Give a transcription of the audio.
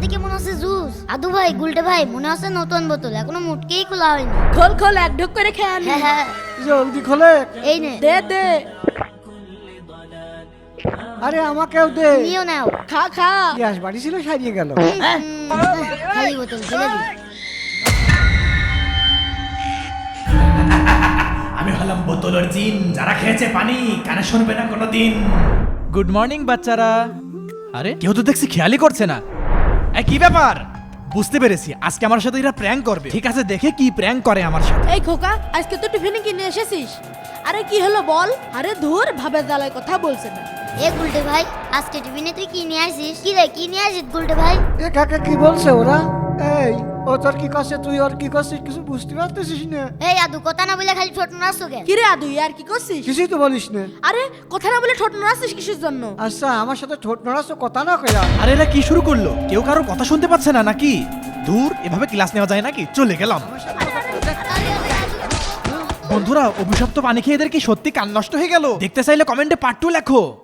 দেখে মনে হচ্ছে জুস। আদু ভাই, গুলটে ভাই, মনে হচ্ছে নতুন বোতল, এখনো মুটকেই খোলা হয়নি। খোল খোল, এক ঢোক করে খেয়ে আনি। হ্যাঁ হ্যাঁ, জলদি খোলে। এই নে, দে দে, আরে আমাকেও দে। নিও নাও। খা খা। গ্যাস বাড়ি ছিল, সারিয়ে গেল। খালি বোতল ফেলে দিই। আমি হলাম বোতলের জিন, যারা খেয়েছে পানি কানে শুনবে না কোনোদিন। গুড মর্নিং বাচ্চারা। আরে কেউ তো দেখছি খেয়ালই করছে না। এই কি ব্যাপার? বুঝতে পেরেছি, আজকে আমার সাথে এরা প্র্যাঙ্ক করবে। ঠিক আছে, দেখে কি প্র্যাঙ্ক করে আমার সাথে। এই খোকা, আজকে তো টিফিনে কিনে এসেছিস? আরে কি হলো বল? আরে ধুর, ভাবে জ্বালায় কথা বলছে না। এ গুলটে ভাই, আজকে টিফিনে তুই কি নিয়ে আসিস? কি রে, কি নিয়ে আসিস গুলটে ভাই? এ কাকা কি বলছে ওরা? এই ও তোর কি করছে, তুই ওর কি করছিস কিছু বুঝতে পারতেছিস না? এই আদু, কথা না বলে খালি ছোট নাচছো কেন? কি রে আদু, আর কি করছিস? কিছুই তো বলিস না। আরে কথা না বলে ঠোঁট নাড়াচ্ছিস কিসের জন্য? আচ্ছা, আমার সাথে ঠোঁট নড়াচ্ছ, কথা না কয়া। আরে এরা কি শুরু করলো? কেউ কারোর কথা শুনতে পাচ্ছে না নাকি? দূর, এভাবে ক্লাস নেওয়া যায় নাকি? চলে গেলাম। বন্ধুরা, অভিশপ্ত পানি খেয়ে এদের কি সত্যি কান নষ্ট হয়ে গেল? দেখতে চাইলে কমেন্টে পার্ট 2 লেখো।